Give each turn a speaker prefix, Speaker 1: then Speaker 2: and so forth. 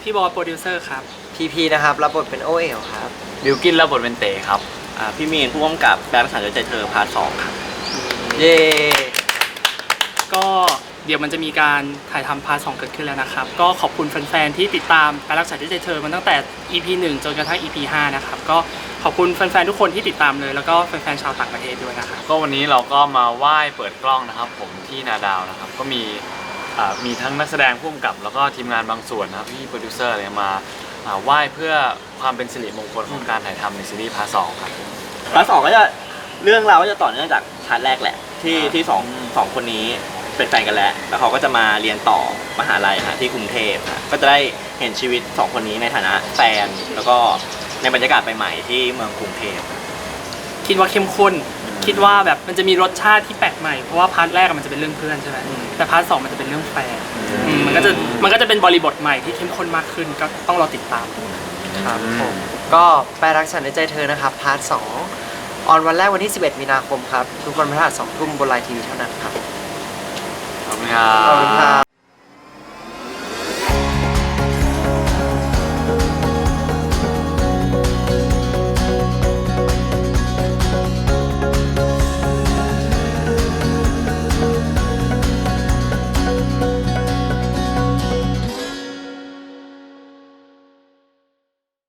Speaker 1: พี่บอยโปรดิวเซอร์ครับ
Speaker 2: พีนะครับรับบทเป็นโอเอ๋วครับ
Speaker 3: บิวกินรับบทเป็นเต๋ครับ
Speaker 4: พี่มีนผู้กำกับแบงค์สันใจเธอพาร์ท 2ครับ
Speaker 2: เย้
Speaker 1: ก็เดี๋ยวมันจะมีการถ่ายทำพาร์ท 2เกิดขึ้นแล้วนะครับก็ขอบคุณแฟนๆที่ติดตามการรักษาด้วยใจเธอมาตั้งแต่ EP 1 จนกระทั่ง EP 5 นะครับก็ขอบคุณแฟนๆทุกคนที่ติดตามเลยแล้วก็แฟนๆชาวต่างประเทศด้วยนะครับ
Speaker 3: ก็วันนี้เราก็มาไหว้เปิดกล้องนะครับผมที่นาดาวนะครับก็มีทั้งนักแสดงผู้กำกับแล้วก็ทีมงานบางส่วนนะครับพี่โปรดิวเซอร์อะไรมาไหว้เพื่อความเป็นสิริมงคลของการถ่ายทำในซีรีส์พาร์ท 2ครับ
Speaker 4: พาร์ท 2ก็จะเรื่องราวก็จะต่อเนื่องจากพาร์ทแรกแหละที่สองคนนี้เป็นแฟนกันแล้วเขาก็จะมาเรียนต่อมหาลัยที่กรุงเทพก็จะได้เห็นชีวิต2คนนี้ในฐานะแฟนแล้วก็ในบรรยากาศใหม่ๆที่เมืองกรุงเทพ
Speaker 1: คิดว่าเข้มข้นคิดว่าแบบมันจะมีรสชาติที่แปลกใหม่เพราะว่าพาร์ทแรกมันจะเป็นเรื่องเพื่อนใช่ไหมแต่พาร์ท 2มันจะเป็นเรื่องแฟนมันก็จะเป็นบริบทใหม่ที่เข้มข้นมากขึ้นก็ต้องรอติดตาม
Speaker 2: ครับผมก็แปลรักฉันในใจเธอนะครับพาร์ท 2 ออนวันแรกวันที่ 11 มีนาคมครับ ทุกวันพฤหัส 2 ทุ่มบนไลน์ทีวีเท่านั้นครับ
Speaker 3: ขอบคุณครั
Speaker 2: ขอบคุณครับ บ